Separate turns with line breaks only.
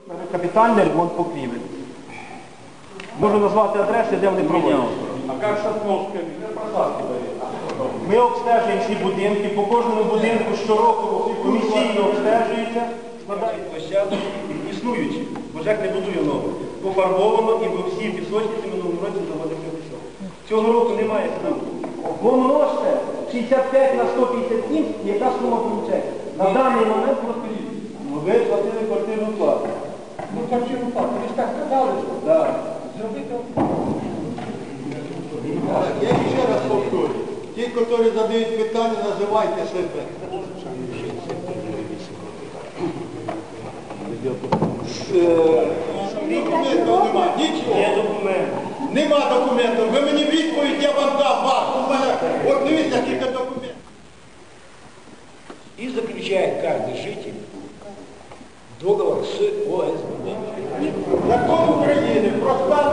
Капітальний ремонт покрівель. Можу назвати адреси, де вони проводять.
А як Шатновська?
Ми обстежуємо всі будинки, по кожному будинку щороку комісійно обстежується, складають площадки, існуючі, бо ЖЕК не будує нове. Пофарбовано і ви всі пісочниці минулому році заводили пісок. Цього року немає стану. Помножте 65 на 157, яка сума виходить. На даний момент розповідь. Ви платили квартирну плату.
Ну, квартирну плату, ви ж так сказали, що
Так.
зробити.
Я ще раз повторю. Ті, які задають питання, називайте себе. Документів немає, нічого.
Є документ.
Нема документів. Ви мені відповідь, я вам дам вас. У мене, от дивіться, скільки документів.
И заключает каждый житель договор с ОСББ.
Закон України про статус